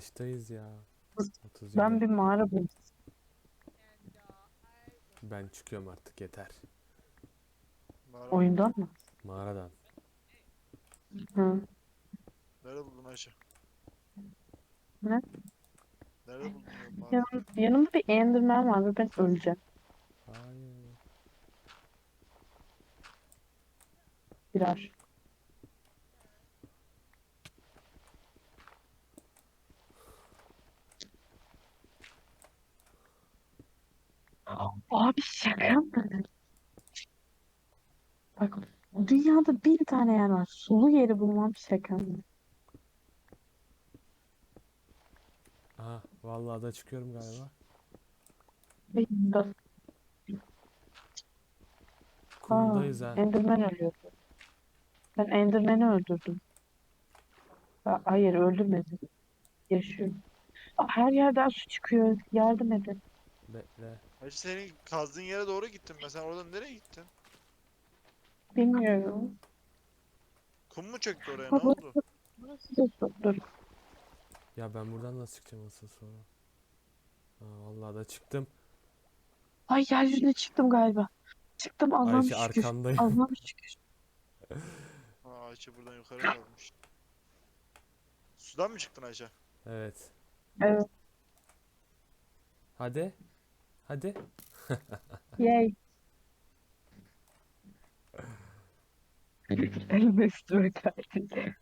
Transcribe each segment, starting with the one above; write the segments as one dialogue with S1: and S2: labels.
S1: kaçtayız ya? 37.
S2: Ben bir mağara buldum.
S1: Ben çıkıyorum artık, yeter.
S3: Mağara mı?
S2: Oyundan mı?
S1: Mağaradan.
S2: Hı.
S3: Nerede buldun Ayşe?
S2: Ne?
S3: Nerede buldun diyorum mağarayı?
S2: Yanımda bir Enderman var ve ben öleceğim.
S1: Hayır.
S2: Biraz. Abi şaka mı? Bak, dünyada bir tane yer var. Sulu yeri bulmam şaka mı?
S1: Aha, vallahi da çıkıyorum galiba.
S2: Ve
S1: Kumdayız ha.
S2: Enderman ölüyor. Ben Enderman'i öldürdüm. Hayır, öldürmedim. Yaşıyor. Her yerden su çıkıyor. Yardım edin.
S1: Bekle.
S3: Ayşe senin kazdığın yere doğru gittim ben. Sen oradan nereye gittin?
S2: Bilmiyorum.
S3: Kum mu çöktü oraya? Ne
S2: Ha,
S3: oldu?
S2: burası da su. Dur.
S1: Ya ben buradan nasıl çıkacağım asıl sonra? Ha, vallahi da çıktım.
S2: Ay, yeryüzüne çıktım galiba. Çıktım, Allah'ım
S1: Ayşe
S2: şükür.
S1: arkandayım.
S2: Allah'ım şükür.
S3: Ha, Ayşe buradan yukarı kalmış. Sudan mı çıktın Ayşe?
S1: Evet.
S2: Evet.
S1: Hadi. Hadi.
S2: Yay. Elime üstüme kaydı.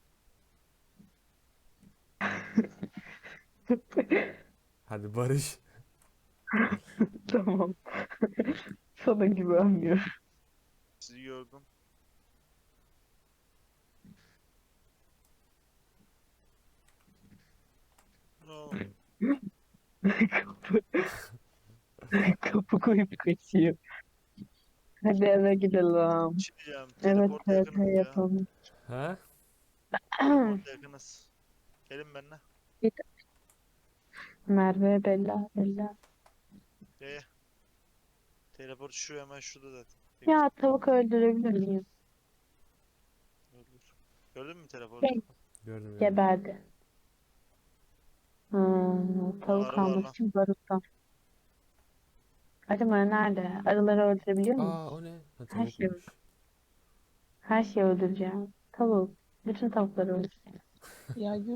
S1: Hadi Barış.
S2: Tamam. Sana güvenmiyorum.
S3: Sizi gördüm. No.
S2: Kapı, kapı koyup kaçıyor. Hadi eve gidelim.
S3: Bir şey diyeceğim.
S2: Evet,
S3: Teleporta
S2: evet,
S3: yakınız ya.
S2: yapalım.
S1: Ha?
S3: Teleporta yakınız. Gelin benimle.
S2: Merve, Bella, Bella.
S3: Ye. Teleport şu hemen şurada zaten. Tek
S2: Ya, tavuk öldürebilir miyim?
S3: öldür. Gördün mü teleportu?
S2: Şey,
S1: Gördüm gördüm.
S2: geberdi.
S3: Aa,
S2: Tavuk
S3: arı var
S2: almak
S3: lan.
S2: için baruttan. Acaba nerede? Arıları öldürebiliyor muyum?
S1: Aa, o ne? Ha,
S2: Her şeyi,
S1: tavukmuş.
S2: her şeyi öldüreceğim. Tavuk. Bütün tavukları öldüreceğim. Ya